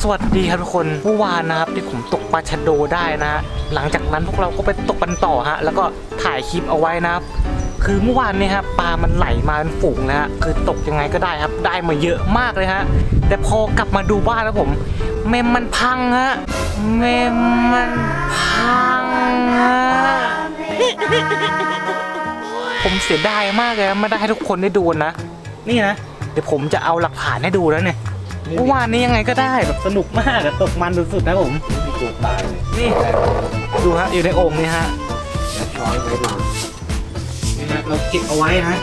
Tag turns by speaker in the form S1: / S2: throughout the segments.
S1: สวัสดีครับทุกคนเมื่อวานนะครับที่ผมตกปลาชะโดได้นะฮะหลังจากนั้นพวกเราก็ไปตกกันต่อฮะแล้วก็ถ่ายคลิปเอาไว้นะครับคือเมื่อวานนี้ครับปลามันไหลมาเป็นฝูงนะฮะคือตกยังไงก็ได้ครับได้มาเยอะมากเลยฮะแต่พอกลับมาดูบ้านแล้วผมเมมมันพังฮะเมมมันพังฮะผมเสียดายมากเลยไม่ได้ให้ทุกคนได้ดูนะนี่นะเดี๋ยวผมจะเอาหลักฐานให้ดูแล้วเนี่ยเมื่อวานนี้ยังไงก็ได้แบบสนุกมากตกมันสุดๆนะผม
S2: มีตัวตายเลย
S1: นี่ดูฮะอยู่ในโอ่งนี่ฮะ
S2: ช้อยไว้ดู
S1: นี่ฮะเราเก็บเอาไว้นะ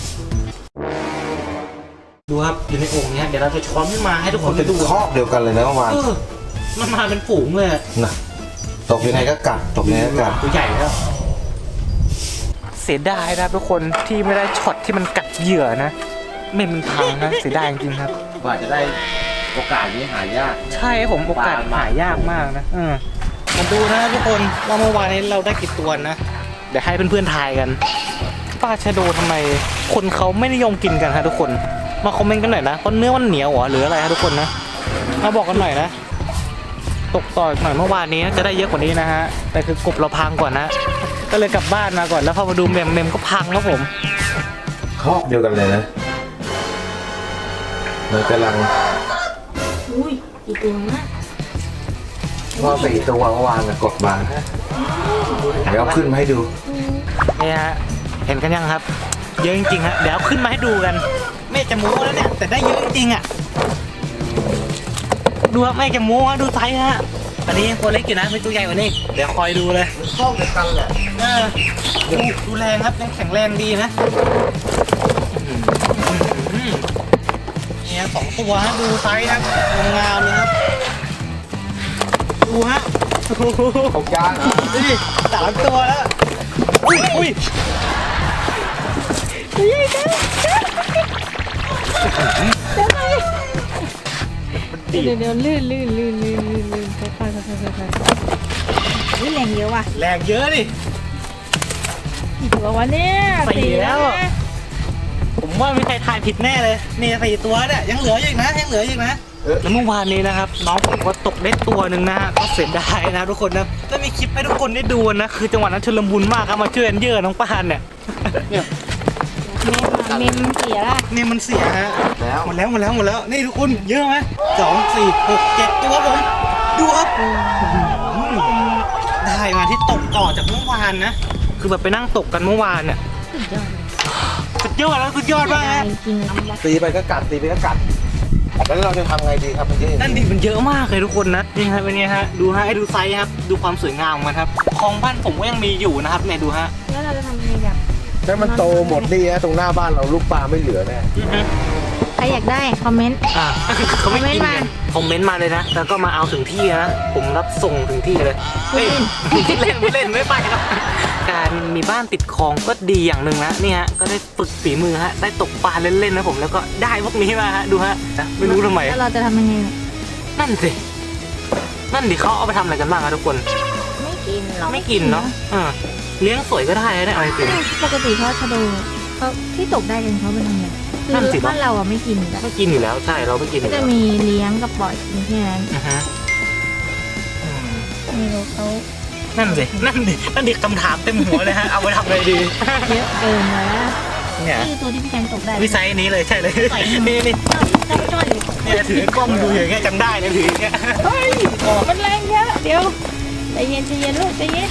S1: ดูครับอยู่ในโอ่งนี้เดี๋ยวเราจะช้อนขึ้นมาให้ทุกคน
S2: เป็น
S1: ดู
S2: คอกเดียวกันเลยนะเมื่อวาน
S1: มันมาเป็นฝูงเลย
S2: นะตกยังไงก็กัดตกยังไงก็กัด
S1: ตัวใหญ่แล้วเสียดายนะทุกคนที่ไม่ได้ช็อตที่มันกัดเหยื่อนะไม่มันพังนะเสียดายจริงๆครับ
S2: กว่าจะได้โอกาสนี้หายาก
S1: ใช่ผมโอกาสหายากมากนะมาดูนะทุกคนว่าเมื่อวานนี้เราได้กี่ตัวนะเดี๋ยวให้เพื่อนๆทายกันปลาชะโดทำไมคนเขาไม่นิยมกินกันฮะทุกคนมาคอมเมนต์กันหน่อยนะเพราะเนื้อมันเหนียวหรืออะไรฮะทุกคนนะมาบอกกันหน่อยนะตกต่อหน่อยเมื่อวานนี้จะได้เยอะกว่านี้นะฮะแต่คือกบเราพังก่อนนะก็เลยกลับบ้านมาก่อนแล้วพอมาดูเมมก็พังแล้วผม
S2: คอกเดียวกันเลยนะมันกำลัง
S3: อุ้ยกี่ตัวนะ
S2: ว่า4 ตัวเมื่อวานกดมาเดี๋ยวเอาขึ้นมาให้ดู
S1: นี่ฮะเห็นกันยังครับเยอะจริงๆฮะเดี๋ยวขึ้นมาให้ดูกันไม่จะโม้แล้วเนี่ยแต่ได้เยอะจริงๆอ่ะดูครับไม่จะโม้ดูไซส์ฮะตอนนี้ตัวเล็กอยู่นะไม่ตัวใหญ่กว่านี้เดี๋ยวคอยดูเลย
S2: คอกเดียวกันแหละ
S1: ดูแรงครับยังแข็งแรงดีนะเนี่ย2 ตัวฮะดูไซส์นะงามเลยครับดูฮะ
S2: ของจาน
S1: นี่3 ตัวแล้วอุ้ย
S3: เดี๋ยวลื่นค่อยแรงเยอะว่ะ
S1: แรงเยอะดิ
S3: กี่ตัววะเนี่ย
S1: 4แล้วผมว่าไม่ใครทายผิดแน่เลยนี่4 ตัวเนี่ยยังเหลืออีกนะแล้วเมื่อวานนี้นะครับน้องผมก็ตกได้ตัวหนึ่งนะก็เสียดายนะทุกคนนะแล้วมีคลิปให้ทุกคนได้ดูนะคือจังหวะนั้นชุลมุนมากครับมาช่วยกันเยอะน้องปานเนี่ย
S3: เมมเสียละ
S1: นี่มันเสียฮะหมดแล้วนี่ทุกคนเยอะไหม2 4 6 7 ตัวผมดูครับได้มาที่ตกต่อจากเมื่อวานนะคือแบบไปนั่งตกกันเมื่อวานเนี่ยสุดยอดมากฮะ
S2: ตีไปก็กัดแล้วเราจะทำไงดีครับมันเยอะ
S1: นั่นดิมันเยอะมากเลยทุกคนนะนี่ฮะเป็นไงฮะดูฮะให้ดูไซส์ครับดูความสวยงามมันครับของบ้านผมก็ยังมีอยู่นะครับเนี่ยดูฮะ
S3: แล้วเราจะทำยังไงแบบ
S2: ถ้ามันโตหมดนี่ฮะตรงหน้าบ้านเราลูกปลาไม่เหลือแน่
S3: ใครอยากได้คอมเมนต์
S1: เขาไม่กินกันคอมเมนต์มาเลยนะแล้วก็มาเอาถึงที่นะผมรับส่งถึงที่เลยไม่เล่นไม่ไปครับการมีบ้านติดคลองก็ดีอย่างหนึ่งนะนี่ฮะก็ได้ฝึกฝีมือฮะได้ตกปลาเล่นๆนะผมแล้วก็ได้พวกนี้มาฮะดูฮะไม่รู้ทำไม
S3: แล้วเราจะทำยังไง
S1: นั่นดิเขาเอาไปทำอะไรกันบ้างครับทุกคนไม่กินเนาะเลี้ยงสวยก็ได้นะอะไรติ
S3: ปกติเขาชะโดเขาที่ตกได้กันเขาเป็นยังไงคือบ้านเราไม่กิน
S1: อยู่แล้วใช่เราไม่กิน
S3: ก็จะมีเลี้ยงกับปล่อยแค่นั้นไม่รู้เขา
S1: นั่นดิคำถามเต็มหัวเลยฮะเอาไปทำอะไรดี
S3: เยอะเกินแล้วเนี่ยนี่ตัวที่พี่แจงตกได้
S1: วิสัยนี้เลยใช่เลยนี่เนี่ยถือกล้องดูอย่างเงี้ยจำได้เลยถืออย่างเงี้ย
S3: มันแรงเยอะเดี๋ยวใจเย็นลูกใจเย็น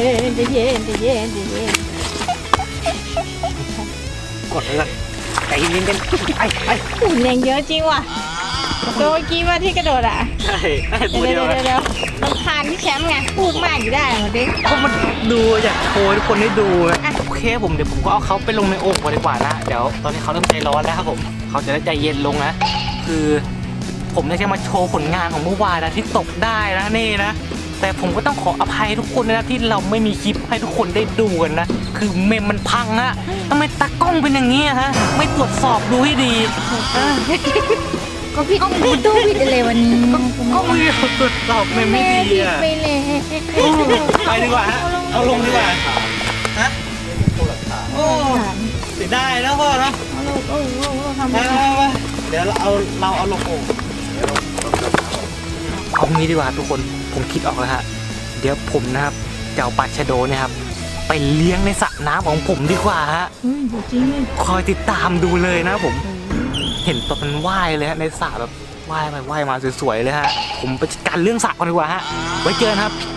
S1: กดเลยใจเย็นกันไอ้
S3: แรงเยอะจริงว่ะตัวเมื่อกี้ว่าที่กระโดดอ่ะ
S1: ใช่
S3: เดี๋ยวมันคานที่แชมป์ไงพูดมากอยู่ได้หมดดิ
S1: ก็มันดูอยากโชว์ทุกคนได้ดูโอเคเดี๋ยวผมก็เอาเขาไปลงในโอ่งดีกว่านะเดี๋ยวตอนนี้เขาเริ่มใจร้อนแล้วครับผมเขาจะได้ใจเย็นลงนะคือผมจะมาโชว์ผลงานของเมื่อวานนะที่ตกได้นะนี่นะแต่ผมก็ต้องขออภัยทุกคนนะที่เราไม่มีคลิปให้ทุกคนได้ดูกันนะคือเมมมันพังอะทำไมตากล้องเป็นอย่างนี้ฮะไม่ตรวจสอบดูให้ดี
S3: ก็พี่ตู้ผิดอะไรวันนี้
S1: ก็ไม่ตรวจสอบไม่ดีอ่ะ
S3: ไปเลย
S1: ไปดีกว่าฮะเอาลงดีกว่าฮะโอ้เสียดายนะพ่อเนาะ
S3: ทำไม
S1: เดี๋ยวเราเอาลงโอ่งเอางี้ดีกว่าทุกคนผมคิดออกแล้วฮะเดี๋ยวผมนะครับจะเอาปลาชะโดเนี่ยครับไปเลี้ยงในสระน้ำของผมดีกว่าฮะ
S3: เฮ้ยจริงเลย
S1: คอยติดตามดูเลยนะผมเห็นตัวมันว่ายเลยฮะในสระแบบว่ายไปว่ายมาสวยๆเลยฮะผมไปจัดการเรื่องสระก่อนดีกว่าฮะไว้เจอกันครับ